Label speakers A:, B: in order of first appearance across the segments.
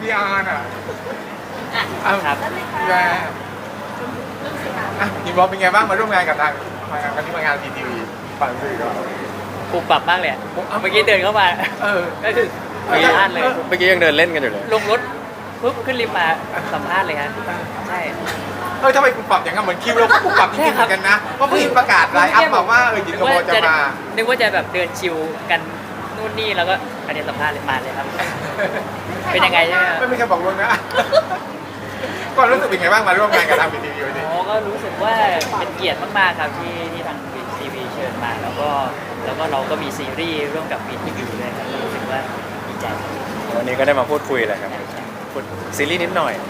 A: พี่อาร์น่ะ
B: ครับ
A: แย่ยินบอกเป็นไงบ้างมาร่วมงานกับทางวันนี้มางานทีวีฝั่งสื่อก็
B: ปรับปรับมากเลยอะเมื่อกี้เดินเข้ามา
A: เออ
B: ก็คือสัมภาษณ์เลย
C: เมื่อกี้ยังเดินเล่นกันอยู่เลย
B: ลงรถปุ๊บขึ้นลิฟต์มาสัมภาษณ์เลยฮะใช่
A: ทำไมคุณปรับอย่างนั้นเหมือนคิวเราก็ปรับจริงๆเหมือนกันนะเพราะเพิ่งประกาศไลน์อัพมาว่ายินกบจะมา
B: นึกว่าจะแบบเดินชิวกันนู่นนี่แล้วก็อันนี้สัมภาษณ์เลยมาเลยครับ เป็นยังไงใช่ไหมครับ
A: ไม่มีใครบอกล่วงหนะก็รู้สึกเป็นไงบ้างมาร่วมงานกับทางทีวีวันนี้
B: อ๋อก็รู้สึกว่าเป็นเกียรติมากๆครับที่ทางทีวีเชิญมาแล้วก็เราก็มีซีรีส์ร่วมกับวีทีวีด้วยครับก็รู้สึกว่าดีใจ
C: วันนี้ก็ได้มาพูดคุยแหละครับพูดซีรีส์นิดหน่อย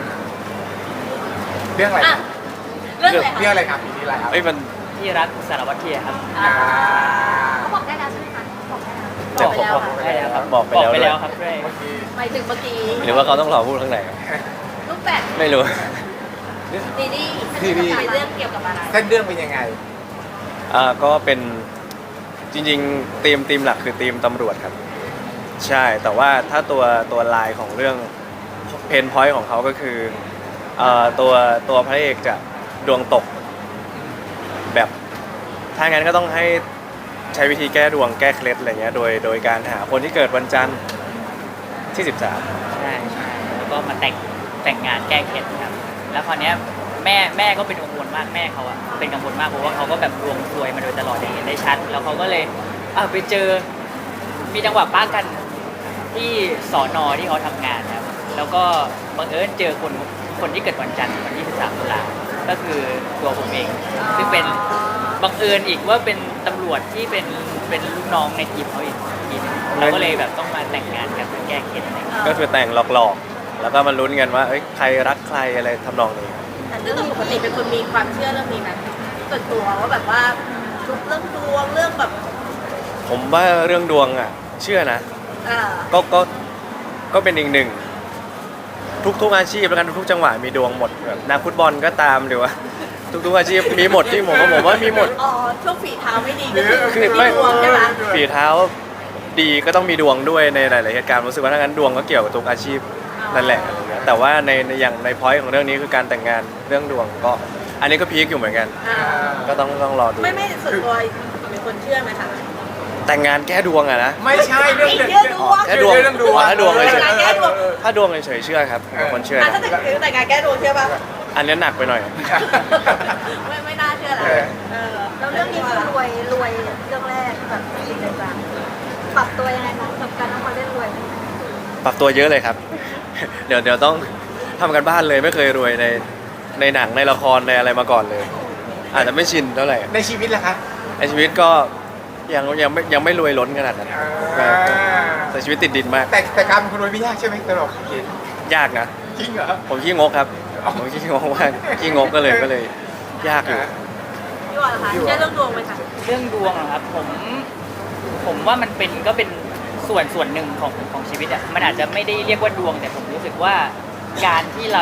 A: เรื่องอะไร
D: อ่ะเรื่องอะไร
A: เรื่อง
D: คะ
A: อะไรครับปีนี้อะไรครับ
C: เอ้ยมัน
B: ที่รักสารวัตรเทียครับ
D: เขาบอกได้แล้วใช่ไหมคะบอกได้แล้ว
C: เดี๋ยว
D: บอกไปแล้วค่ะ
B: ได้แล้วครับ
C: บอกไปแล้ว
B: ครับด้วย
A: เมื่อกี้
D: หมายถึงเมื่อกี้
C: หรือว่าเขาต้องรอพูดข้างในครับ
D: รูปแบบ
C: ไม่รู้
D: ซีรีส์เป็นเรื่องเกี่ยวกับอะไร
A: เส้นเรื่องเป็นยังไง
C: ก็เป็นจริงๆธีมหลักคือธีมตำรวจครับ ใช่แต่ว่าถ้าตัวลายของเรื่องเพนพอยต์ของเขาก็คือตัวพระเอกจะดวงตก แบบถ้างั้นก็ต้องให้ใช้วิธีแก้ดวงแก้เคล็ดอะไรเงี้ยโดยการหาคนที่เกิดวันจันทร์ที่ 13
B: ใช่แล้วก็มาแต่งงานแก้เคล็ดครับแล้วคราวเนี้ยแม่ก็เป็นกังวลมากแม่เขาอะเป็นกังวลมากเพราะว่าเขาก็แบบดวงซวยมาโดยตลอดอย่างเห็นได้ชัดแล้วเขาก็เลยไปเจอมีจังหวะป้ากันที่สอนอที่เขาทำงานครับแล้วก็บังเอิญเจอคนที่เกิดวันจันทร์วันที่13 ตุลาก็คือตัวผมเองซึ่งเป็นบังเอิญอีกว่าเป็นตำรวจที่เป็นลูกน้องในทีมเขาอีกทีนึงเราก็เลยแบบต้องมาแต่งงานกันเพื่อแก้เคล็ดอะไรอย่างเงี้ย
C: ก็คือแต่งหลอกๆ แล้วก็มาลุ้นกันว่าเอ้ยใครรักใครอะไรทำนองนี้
D: แต่เรื่องปกติเป็นคนมีความเชื่อเรื่องนี้ไหมส่วนตัวว่าแบบว่าทุกเรื่องดวงเรื่องแบบ
C: ผมว่าเรื่องดวงอ่ะเชื่อนะ
D: อ่า
C: ก็เป็นอีกหนึ่งทุกอาชีพแล้วกันทุกจังหวะมีดวงหมดแบบนักฟุตบอลก็ตามหรือว่าทุกอาชีพมีหมดที่ผมว่ามีหมด
D: อ๋อช่วงฝีเท้าไม่ดีก็คือ
C: คือ
D: มี
C: ไม่
D: ดวงใช่ไหม
C: ฝีเท้าดีก็ต้องมีดวงด้วยในหลายๆเหตุการณ์รู้สึกว่าถ้างั้นดวงก็เกี่ยวกับทุกอาชีพนั่นแหละอะไรเงี้ยแต่ว่าในอย่างในพอยต์ของเรื่องนี้คือการแต่งงานเรื่องดวงก็อันนี้ก็พีคอยู่เหมือนกัน
D: อ่า
C: ก็ต้องรอดู
D: ไม่ส่วนตัวเป็นคนเชื่อไหมคะ
C: แต่งงานแก้ดวงอะนะ
A: ไม่ใช่เรื่อง
D: เชื่อดวง
C: แค่ดวง
A: เรื่องดวง
C: ถ้าดวงเฉย
D: แก้ดวง
C: ๆถ้าดวงเฉยๆเชื่อครับผมเป็นคนเชื่อ
D: อ่ะ
C: นะ
D: ถ้าแต่งงานแก้ดวงเชื่อป่ะ
C: อันนี้หนักไปหน่อย
D: ไม่น่าเชื่อละแล้วเรื่องนี้คือรวยเรื่องแรกแบบจริงจังปรับตัวยังไงคะกับการต้องมาเล่นรวย
C: ปรับตัวเยอะเลยครับ เดี๋ยวต้องทำกันบ้านเลยไม่เคยรวยในหนังในละครในอะไรมาก่อนเลย อาจจะไม่ชินเท่าไหร่
A: ในชีวิตล่ะคะ
C: ในชีวิตก็ยังไม่รวยล้นขนาดนั้นแต่ชีวิตติดดินมาก
A: แต่การเป็นคนรวยไม่ยากใช่ไหมตลก
C: ยากนะ
A: จริงเหรอ
C: ผมขี้งกครับผมขี้งกมากขี้งกก็เลยยากอยู่
D: พี่วอนคะเชื่อเรื่องดวงไหมคะ
B: เรื่องดวงเหรอครับผมว่ามันเป็นส่วนหนึ่งของชีวิตอ่ะมันอาจจะไม่ได้เรียกว่าดวงแต่ผมรู้สึกว่าการที่เรา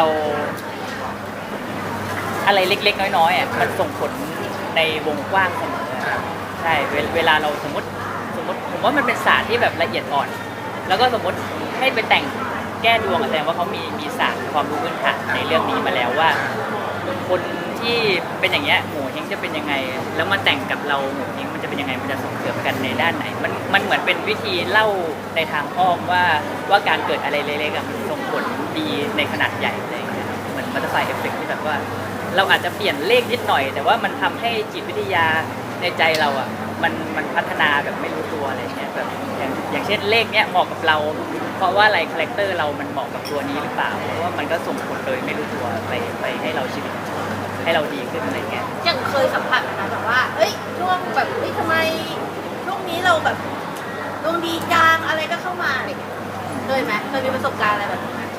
B: อะไรเล็กๆน้อยๆอ่ะมันส่งผลในวงกว้างเสมอใช่เวลาเราสมมติผมว่ามันเป็นศาสตร์ที่แบบละเอียดอ่อน แล้วก็สมมติให้ไปแต่งแก้ดวงแสดงว่าเขามีศาสตร์ความรู้พื้นฐานในเรื่องนี้มาแล้วว่า คนที่เป็นอย่างเงี้ยโหเฮงจะเป็นยังไง แล้วมาแต่งกับเราโหเฮงมันจะเป็นยังไงมันจะส่งเสริมกันในด้านไหนมันเหมือนเป็นวิธีเล่าในทางอ้อมว่าการเกิดอะไรเล็กๆอะมันส่งผลดีในขนาดใหญ่อะไรอย่างเงี้ยเหมือนบัตเตอร์ไฟเอฟเฟกที่แบบว่า เราอาจจะเปลี่ยนเลขนิดหน่อย แต่ว่ามันทำให้จิตวิทยาในใจเราอ่ะมันพัฒนาแบบไม่รู้ตัวอะไรเงี้ยแบบอย่างเช่นเลขเนี้ยเหมาะกับเรา เพราะว่าอะไรคาแรคเตอร์เรามันเหมาะกับตัวนี้หรือเปล่าเพราะว่ามันก็ส่งผลโดยไม่รู้ตัวไปให้เราชีวิตให้เราดีขึ้นอะไรเงี้ย
D: ยังเคยสัมผัสนะแบบว่าเอ้ยช่วงแบบเฮ้ยทำไมช่วงนี้เราแบบดวงดีจังอะไรก็เข้ามาอะไรอย่างเงี้ยเคยไหมเคยมีประสบการณ์อะไรแบบนี้ไหม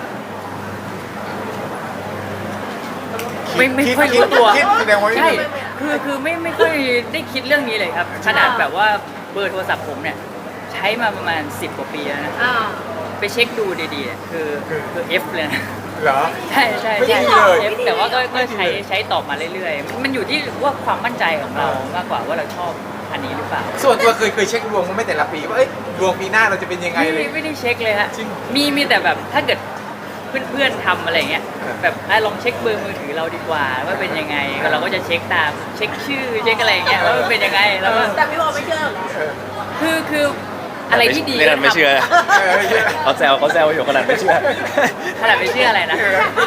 B: ไม่ค่อยรู้ตัว
A: คิดแสดงว่า
B: ใช่คือไม่ค่อยได้คิดเรื่องนี้เลยครับขนาดแบบว่าเบอร์โทรศัพท์ผมเนี่ยใช้มาประมาณ10 กว่าปีแล้วนะ
D: อ่า
B: ไปเช็คดูดีๆเนี่ยคือ F เลยนะ
A: เหรอ
B: ใช่ใช่
A: ไม่
B: ใช่
A: ดีเลย
B: F แต่ว่าก็ใช้ตอบมาเรื่อยๆมันอยู่ที่ว่าความมั่นใจของเรามากกว่าว่าเราชอบอันนี้หรือเปล่า
A: ส่วนตัวเคยเช็คดวงมั้ยแต่ละปีว่าเอ้ยดวงปีหน้าเราจะเป็นยังไงเลย
B: ไม่ได้เช็คเลยฮะ
A: จริง
B: มีแต่แบบถ้าเกิดเพื่อนๆทำอะไรอย่างเงี้ยแบบลองเช็คเบอร์มือถือเราดีกว่าว่าเป็นยังไงเราก็จะเช็คตามเช็คชื่อเช็คอะไรอย่างเงี้ยว่ามันเป็นยังไงแล้วก็
D: แต่พี่บอกไม่เชื่อเหรอ
B: คืออะไรที่ดี
C: ขนาดไม่เชื่อ
A: เออ
C: เขาแซวอยู่ขนาดไม่เชื่อ
B: ขนาดไม่เชื่ออะไรนะ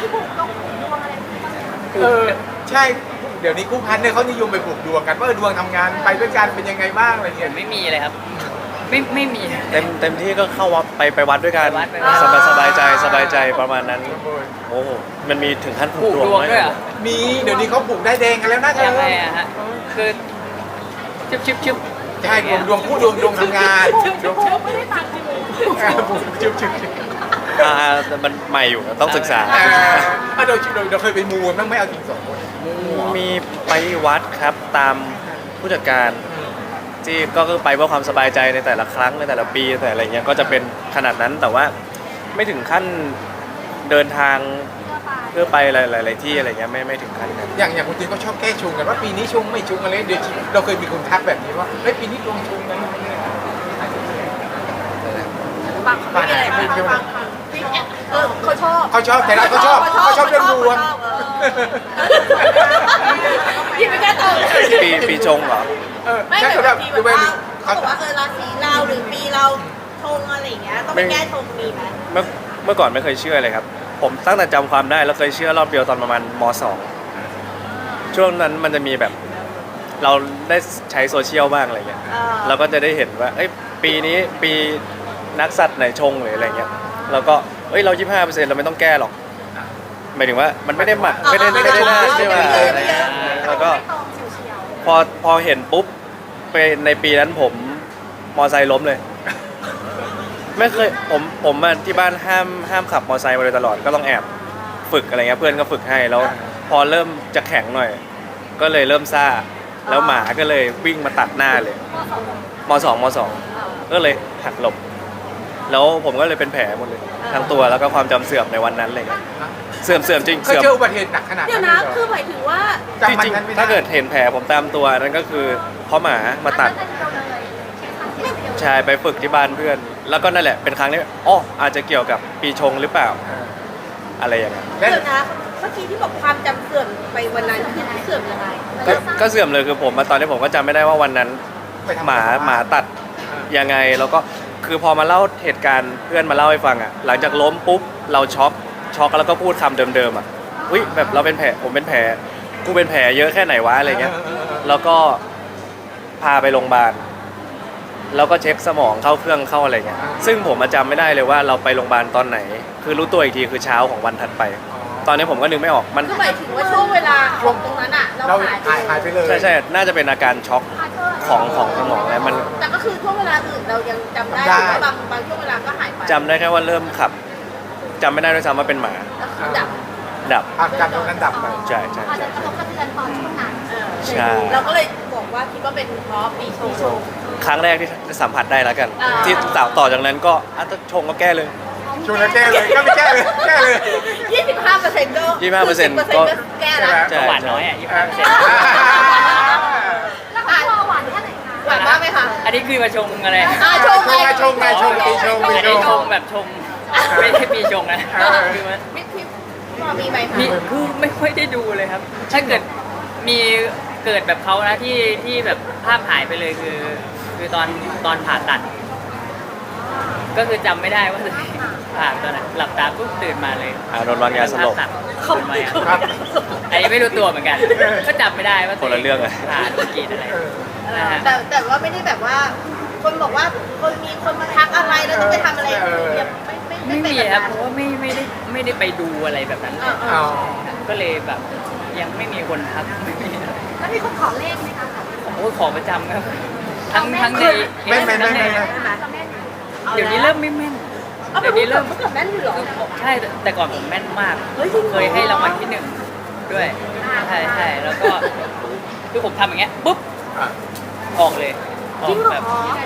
A: เออใช่ เดี๋ยวนี้กู้พันเนี่ยเขานิยมไปปลูกดวงกันว่าดวงทำงานไปด้วยกันเป็นยังไงบ้างอะไร
B: ผ
A: เงี้ย
B: มไม่มีเลยครับ ไม่มี
C: เต็มที่ก็เข้าวัดไปวัดด้วยกัน
B: ไปวัดไปวัด
C: สบายใจประมาณนั้น โอ้โหมันมีถึงขั้น
B: ป
C: ผู
B: ลู
C: ก
B: ก
C: ดวง
B: ดวง
C: ไหม
B: ด้วยเหรอ
A: มีเดี๋ยวนี้เขาปลูกได้แดงกันแล้วนะเธอ
B: ยังไงอะฮะคือชุบ
A: ใช่ดวงคู่ดวงทำงานดวง
D: ไม่ได้ตังค์จริง
A: จุ๊บ
C: แต่มันใหม่อยู่ต้องศึกษา
A: เราเคยไปมูกันบ้างไหม่เอาจริงสองคน
C: มีไปวัดครับตามผู้จัดการที่ก็คือไปเพื่อความสบายใจในแต่ละครั้งในแต่ละปีแต่อะไรเงี้ยก็จะเป็นขนาดนั้นแต่ว่าไม่ถึงขั้นเดินทางเพื่อไปหลายๆที่อะไรเงี้ยไม่ถึงขั้นนั้น
A: อย่างคนจีนก็ชอบแก้ชงกันว่าปีนี้ชงไม่ชงอะไรเดี๋ยวเราเคยมีคนทักแบบนี้ว่าเฮ้ยปีนี้ดวงชงกัน
D: บางไม่มีอะไรบางเขาชอบ
A: แต่เราก็ชอบเรื่องดวง
D: ยินไม่กล้าตอบ
C: ปีชงเหรอ
D: ไม่
A: ใช่
D: เหมือน
A: แบบ
D: ที
A: ดู
D: แบบ
A: ไป
D: ว่าเขาบอกว่าราศีเราหรือปีเราชงอะไรอย่างเงี้ยต้องไปแก้ชงมีไหม
C: เมื่อก่อนไม่เคยเชื่อเลยครับ ผมตั้งแต่จำความได้แล้วเคยเชื่อรอบเดียวตอนประมาณม .2 ช่วงนั้นมันจะมีแบบเราได้ใช้โซเชียลบ้างอะไรเงี้ยเราก็จะได้เห็นว่าเอ้ยปีนี้ปีนักสัตว์ไหนชงหรืออะไรเงี้ยเราก็เอ้ยเรา 25%เราไม่ต้องแก้หรอกหมายถึงว่ามันไม่ได้หมักไม่ได้น่าเชื่อแล้วก็พอเห็นปุ๊บไปในปีนั้นผมมอไซค์ล้มเลย ไม่เคยผมมาที่บ้านห้ามขับมอไซค์มาโดยตลอดก็ต้องแอบฝึกอะไรเงี้ยเพื่อนก็ฝึกให้แล้วพอเริ่มจะแข็งหน่อย ก็เลยเริ่มซ่าแล้วหมาก็เลยวิ่งมาตัดหน้าเลยมสองก็เลยหักหลบแล้วผมก็เลยเป็นแผลหมดเลยทั้งตัวแล้วก็ความจำเสื่อมในวันนั้นเลยเสื่อมจริง
A: เคย
C: เสื่อม
A: เจออุบัติเหตุหนักขนาด
D: เดี๋ยว
A: นั้
D: นะ
A: นเลย
D: คือหมายถึงว่า
A: จำ
C: จ
A: มัน
C: ริง
A: นั้นไม่
C: ๆ
A: ได้
C: ถ้าเกิดเห็นแผลผมตามตัวนั่นก็คือเพราะหมามาตัดใช่ไปฝึกที่บ้านเพื่อน แล้วก็นั่นแหละเป็นครั้งที่อ๋ออาจจะเกี่ยวกับปีชงหรือเปล่าอะไรอย่างเงี้ย
A: และ
D: เดี๋ยวนะเมื่อกี้ที่บอกความจำเสื่อมไปวันนั้นคือเสื่อมยังไง
C: ก็เสื่อมเลยคือผมมาตอนนี้ผมก็จำไม่ได้ว่าวันนั้น
A: ไปทำ
C: หมาตัดยังไงแล้วก็คือพอมาเล่าเหตุการณ์เพื่อนมาเล่าให้ฟังอ่ะหลังจากล้มปุ๊บเราช็อกแล้วก็พูดคำเดิมๆอ่ะอุ้ยแบบเราเป็นแผลผมเป็นแผลกูเป็นแผลเยอะแค่ไหนวะอะไรเงี้ยแล้วก็พาไปโรงพยาบาลแล้วก็เช็คสมองเข้าเครื่องเข้าอะไรเงี้ยซึ่งผมจำไม่ได้เลยว่าเราไปโรงพยาบาลตอนไหน คือรู้ตัวอีกทีคือเช้าของวันถัดไป ตอนนี้ผมก็นึกไม่ออกมัน
D: คือหมายถึงว่าช่วงเวลาของตรงนั้นอ่ะเรา
A: เรา
D: หายไป
A: หายไปเลย
C: ใช่น่าจะเป็นอาการช็อกของสมองแล้วมัน
D: แต่ก็คือช่วงเวลาอื่นเรายังจำได้หรือว่าบางช่วงเวลาก็หายไป
C: จำได้แค่ว่าเริ่มขับจำไม่ได้ด้วยซ้ำว่าเป็นหมา
D: ก็คือดับ
C: ดับ
A: อาการตรงนั้นดับไป
C: ใช่
E: อาจจะกระทบกระเทือนตอนช่วงนั้น
C: ใช่
D: เราก็เลยบอกว่าคิดว่าเป็นเพราะปีชง
C: ครั้งแรกที่สัมผัสได้แล้วกัน
D: อ่า
C: ที่ต่อจากนั้นก็ถ้าชงก็แก้เลย
A: ชงแล้วแก้เลยก็ไม่แก้เลย
D: 25%ก็
C: 25%
D: ก็แก้แล้ว
C: ใช่
B: หวานน้อยอ่ะ
E: แล้วก็รอหวานแค่ไหนคะ
D: หวานมากไหมคะ
B: อันนี้คือมาชงอะไร
D: ชงไง
A: ชงปีชง
B: ไม่ได้ชงแบบชงไม่ใช่ปีชงนะคือมัน
D: มิดทิพย์พอมีไหมคะ
B: มีคือไม่ค่อยได้ดูเลยครับ ถ้าเกิดมีเกิดแบบเขานะที่แบบภาพหายไปเลยคือตอนผ่าตัด ก็คือจำไม่ได้ว่าตัวเองผ่าตอนไหนหลับตาปุ๊บตื่นมาเลย
C: โดนวางยาสลบ
B: เขาไม่อันนี้ไม่รู้ตัวเหมือนกัน ก็จำไม่ได้ว่า
C: คนละเรื่องเลย
B: ผ่าธุรกิจอะไรนะฮะ
D: แต่ว่าไม่ได้แบบว่า คนบอกว่าคนมีคนมาทักอะไรแล้วต้องไปทำอะไรยังไม่
B: ไม่
D: เป็น
B: มี
D: แบบ
B: ครั
D: นั้
B: บ
D: น
B: เพราะว่าไม่ได้ไปดูอะไรแบบนั้น
A: อ๋อ
B: ก็เลยแบบยังไม่มีคนทักไม่มี
E: แล้วมีคนขอเลขไหมคะ
B: โอ้ยขอประจำครับทั้งใน
A: ไม่
B: เดี๋ยวนี้เริ่มไม่แม่น
D: เอาไป
B: เดี๋ยวนี้
D: เริ่
B: เริ่
D: ม
B: ม
D: เมื่อก่อนแม่นอยู่เหรอ
B: ใช่แต่ก่อนผมแม่นมาก
D: เฮ้ยจริงเหรอ
B: เคยให้รางวัลที่หนึ่งด้วยใช่แล้วก็คือผมทำอย่างเงี้ยปุ๊บออกเลยอ
D: จ
B: อ
D: ริ
B: ก
D: งเหรอ
B: แบบ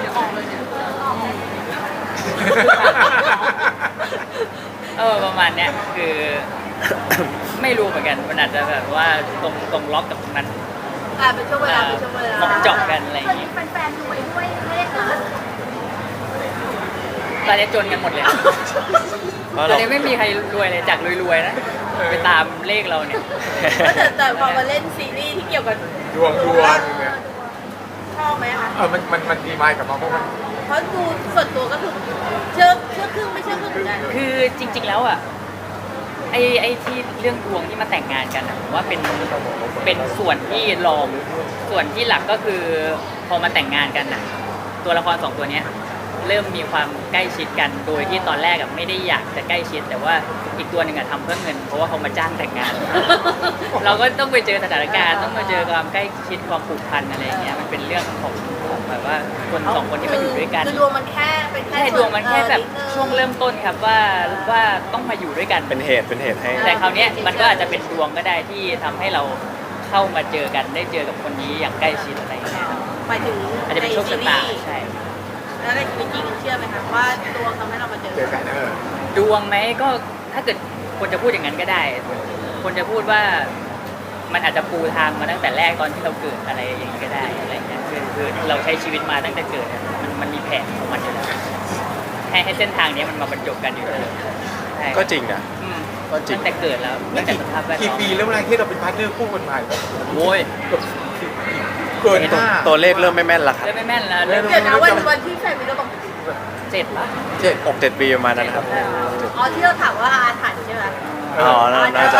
B: ประมาณเนี้ยคือ ไม่รู้เหมือนกันมันอาจจะแบบว่าตรงล็อกกับตรงนั้น
D: เป็นช่วงเวลา
B: เหมาะเจาะกันอะไรอย่าง
E: เคย
B: งี้
E: มีแฟนๆรวยด้วยเลขนะ
B: ตอนนี้จนกันหมดเลย
C: เพราะ
B: ตอ
C: เรา
B: นนี้ไม่มีใครรวยเลยจากรวยๆนะไปตามเลขเราเนี่ย
D: แต่พอมาเล่นซีรีส์ที่เกี่ยวกับ
A: ดวงเนี่ย
D: ชอบไหมคะ
A: มันดีไหมกับมาเพราะมัน
D: เพราะดูส่วนตัวก็คือเชื่อครึ่งไม่เชื่อครึ่งเหมือนกัน
B: คือจริง ๆแล้วอ่ะไอ้ที่เรื่องดวงที่มาแต่งงานกันอะผมว่าเป็นส่วนที่รองส่วนที่หลักก็คือพอมาแต่งงานกันน่ะตัวละครสองตัวเนี้ยเริ่มมีความใกล้ชิดกันโดยที่ตอนแรกอะไม่ได้อยากจะใกล้ชิด แต่ว่าอีกตัวหนึ่งอะทำเพื่อเงินเพราะว่าเขามาจ้างแต่งงาน เราก็ต้องไปเจอสถานการณ์ต้องมาเจอความใกล้ชิดความผูกพันอะไรอย่างเงี้ยมันเป็นเรื่องของแบบว่าคนสองคนที่มาอยู่ด้วยกัน
D: คือดวงมันแค่เป็นแค่
B: ใช่ดวงมันแค่แบบช่วงเริ่มต้นครับว่าต้องมาอยู่ด้วยกัน
C: เป็นเหตุให้
B: แต่คราวเนี้ยมันก็อาจจะเป็นดวงก็ได้ที่ทำให้เราเข้ามาเจอกันได้เจอกับคนนี้อย่างใกล้ชิดอะไรอย่างเงี้ยครับ
D: หมายถึง
B: อาจจะเป็นโชคชะตาใช่
D: แล้วในชีวิตจริงเชื่อไหมคะว่าดวงทำให้เรามาเจอ
A: เจอกัน
B: ดวงไหมก็ถ้าเกิดคนจะพูดอย่างนั้นก็ได้ คนจะพูดว่ามันอาจจะปูทางมาตั้งแต่แรกตอนที่เราเกิดอะไรอย่างนี้ก็ได้อะไรอย่างเงี้ยคือเราใช้ชีวิตมาตั้งแต่เกิดอะมันมีแผนของมันอยู่แล้วให้เส้นทางเนี้ยมันมาบรรจบกันอยู่แล้วใช่
C: ก็จริงนะ
B: อืม
C: ก็จริง
B: ตั้งแต่เกิดแล้วตั้งแต่สภาพแวดล้
A: กี่
B: อม
A: ปีแล้วเวลาที่เราเป็นพาร์ทเนอร์คู่กันมา
B: โว้ย
A: เกิน
C: ตัวเลขเริ่มไม่แม่นละครับ
B: เริ่มไม่แม่นแล้วเริ่ม
D: เดี๋ยวนะวันที่แฟนมีเราบอก
B: 7 ปะ
C: 6-7 ปีประมาณนั้นครับ
D: อ๋อที่เราถามว่าอาถรรพ์ใช่ไหม
C: อ๋อน่าจะ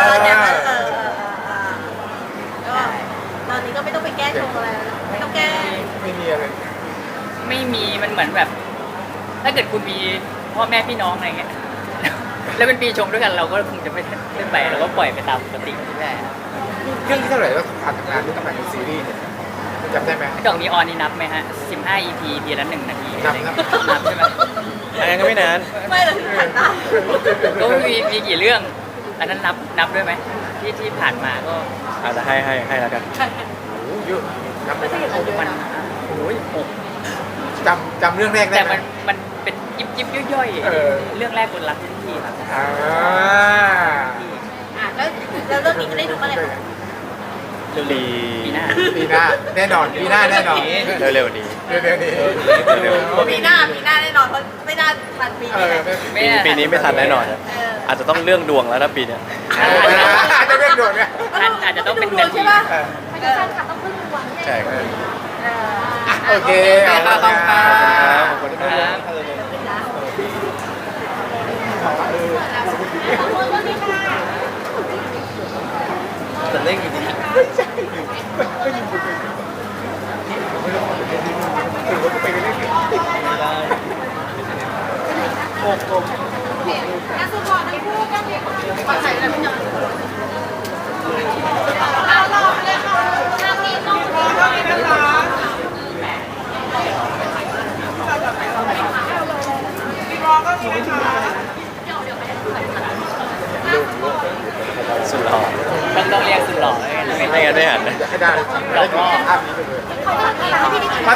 D: ก็ตอนนี้ก็ไม่ต้องไปแก้ชงอะไรแล้วไม่ต้องแก้
A: ไม่มีอะไร
B: ไม่มีมันเหมือนแบบ ถ้าเกิดคุณมีพ่อแม่พี่น้องอะไรเงี้ย แล้วเป็นปีชงด้วยกันเราก็คงจะไม่ได้ไปเราก็ปล่อยไปตามปกติไม่ได้
A: เรื่องที่เท่าไหร่แล้วผ่านทำงานที่ทำงานในซีรีส์เนี่ยจำได้ไหม
B: กล่องนีออนนี่นับไหมฮะ15 EP ทีละ1 นาทีอะไรเงี้ยนับใช่ไหม
C: อันนั้นก็ไม่นาน
D: ไม่เราถึงผ่านตา
B: ก็มีกี่เรื่องอันนั้นนับด้วยไหมที่ผ่านมาก็
C: อาจจะให้แล้วกัน
A: โอ้เยอะจำ
D: ไม่ใช่อย่างนั้นเยอะ
B: มัน
D: นะ
B: โอ้ยหก
A: จำเรื่องแรกได้
B: แต่
A: ไหม
B: มันเป็นยิบย่อย
A: เออ
B: เรื่องแรกคนรักทุกที่ครับ
A: อ่า
D: แล้วเรื่องนี้จะได้ดูเมื่อไหร่คะ
B: ปีหน้า
A: ปีหน้าแน่นอนปีหน้าแน่นอน
C: เร็วๆนี้
A: เร็วๆนี้
D: ปีหน้าแน่นอนเพราะไม่น่าทันปี
A: เอ
D: นี้
A: อ
C: ปีนี้ไม่ทันแน่นอน อาจจะต้องเรื่องดวงแล้วนะปีเนี้ย
A: อาจจะเร่งด่วนเนี่ย
B: ท่านอาจจะต้องเป็น
D: ดู
B: นา
D: ใช่
B: ที
D: ปะ
E: ไม่ใช่แฟนคลับต้องพึ่งดวงเนี่ย
C: ใช่ครับ
A: โอเค
B: ขอบคุณครับ
A: ขอบคุณครับ
C: แต่เร่งอยู่ดี
E: งานสุดหล่อทั้งคู่ก็มีคน
D: ขอถ่ายอะไรไม่เจอ
E: เอาหล่อเลยค่ะงานนี้ต้องรอเท่านี้นะคะ
C: สุดหล่อ
B: ต้องเรียกสุดหล่อเลย
C: ไม่งั้นไม่หันนะ
A: อยากให้ได้จริงๆแล้วภาพนี้ไปเลย
E: เขาจะหาพิธีกร